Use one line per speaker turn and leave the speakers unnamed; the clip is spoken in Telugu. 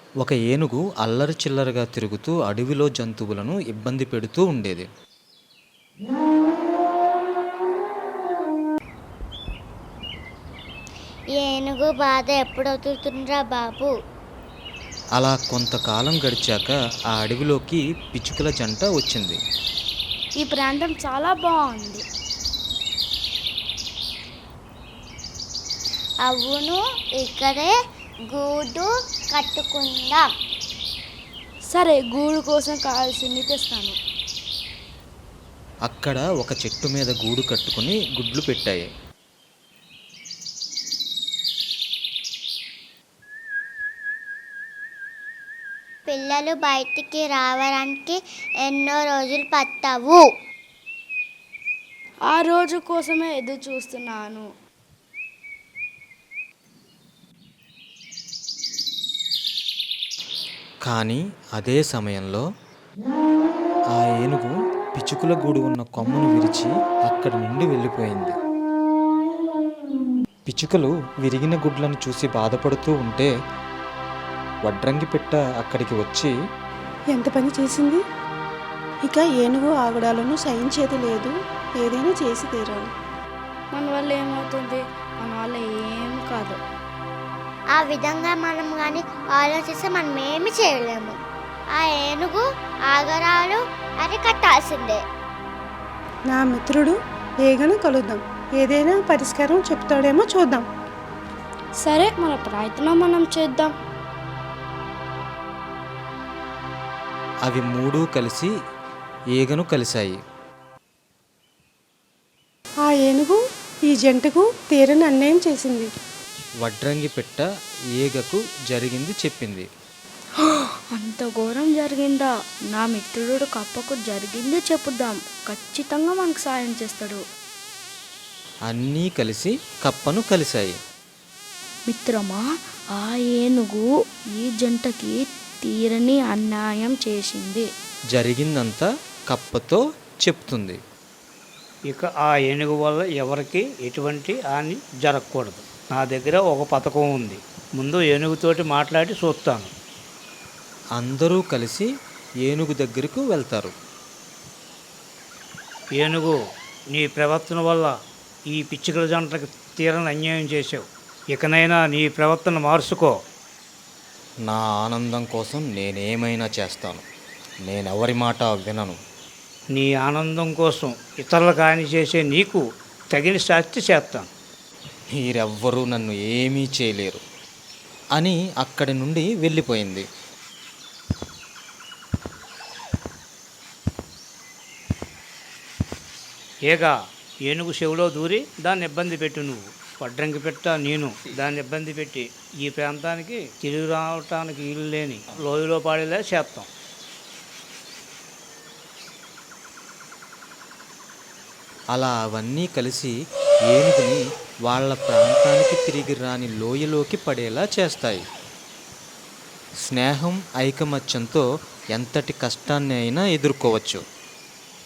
ఒక ఏనుగు అల్లరి చిల్లరగా తిరుగుతూ అడవిలో జంతువులను ఇబ్బంది పెడుతూ ఉండేది.
ఏనుగు బాధ ఎప్పుడవుతుందిరా బాబు.
అలా కొంతకాలం గడిచాక ఆ అడవిలోకి పిచ్చుకల జంట వచ్చింది.
ఈ ప్రాంతం చాలా బాగుంది.
అవును, ఇక్కడే గూడు కట్టుకుందాం.
సరే, గూడు కోసం కావాల్సింది తెస్తాను.
అక్కడ ఒక చెట్టు మీద గూడు కట్టుకుని గుడ్లు పెట్టాయి.
పిల్లలు బయటికి రావడానికి ఎన్నో రోజులు పట్టవు.
ఆ రోజు కోసమే ఎదురు చూస్తున్నాను.
కానీ అదే సమయంలో ఆ ఏనుగు పిచ్చుకల గూడు ఉన్న కొమ్మను విరిచి అక్కడి నుండి వెళ్ళిపోయింది. పిచ్చుకలు విరిగిన గుడ్లను చూసి బాధపడుతూ ఉంటే వడ్రంగి పిట్ట అక్కడికి వచ్చి,
ఎంత పని చేసింది! ఇక ఏనుగు ఆగడాలను సహించేది లేదు. ఏదైనా చేసి తీరాలి.
మన వల్ల ఏమవుతుంది? మన వల్ల ఏం కాదు.
ఆ విధంగా మనం కానీ ఆలోచిస్తే మనం ఏమి చేయలేము. ఆ ఏనుగు ఆగరాలు అరికట్టాల్సిందే.
నా మిత్రుడు ఏగన కలుద్దాం. ఏదైనా పరిష్కారం చెప్తాడేమో చూద్దాం.
సరే, మన ప్రయత్నం మనం చేద్దాం.
అవి మూడూ కలిసి ఈగను కలిశాయి.
ఆ ఏనుగు ఈ జంటకు తీరని అన్యాయం చేసింది.
వడ్రంగి పిట్ట ఈగకు జరిగింది చెప్పింది.
అంత ఘోరం జరిగిందా? నా మిత్రుడు కప్పకు జరిగింది చెప్పుదాం. ఖచ్చితంగా మనకు సాయం చేస్తాడు.
అన్నీ కలిసి కప్పను కలిశాయి.
మిత్రమా, ఆ ఏనుగు ఈ జంటకి తీరని అన్యాయం చేసింది.
జరిగిందంతా కప్పతో చెప్తుంది.
ఇక ఆ ఏనుగు వల్ల ఎవరికి ఎటువంటి హాని జరగకూడదు. నా దగ్గర ఒక పథకం ఉంది. ముందు ఏనుగుతోటి మాట్లాడి చూస్తాను.
అందరూ కలిసి ఏనుగు దగ్గరకు వెళ్తారు.
ఏనుగు, నీ ప్రవర్తన వల్ల ఈ పిచ్చుకల జంటకు తీరని అన్యాయం చేసావు. ఇకనైనా నీ ప్రవర్తన మార్చుకో.
నా ఆనందం కోసం నేనేమైనా చేస్తాను. నేనెవరి మాట వినను.
నీ ఆనందం కోసం ఇతరులకు హాని చేసే నీకు తగిన శాస్తి చేస్తాను.
మీరెవ్వరూ నన్ను ఏమీ చేయలేరు అని అక్కడి నుండి వెళ్ళిపోయింది.
ఏగా, ఏనుగు చెవిలో దూరి దాన్ని ఇబ్బంది పెట్టు. నువ్వు వడ్రంగి పెట్ట నేను దాన్ని ఇబ్బంది పెట్టి ఈ ప్రాంతానికి తిరిగి రావటానికి ఇల్లు లేని లోయలో పాడేలా చేస్తాం.
అలా అవన్నీ కలిసి ఏనుగుని వాళ్ళ ప్రాంతానికి తిరిగి రాని లోయలోకి పడేలా చేస్తాయి. స్నేహం, ఐకమత్యంతో ఎంతటి కష్టాన్ని అయినా ఎదుర్కోవచ్చు.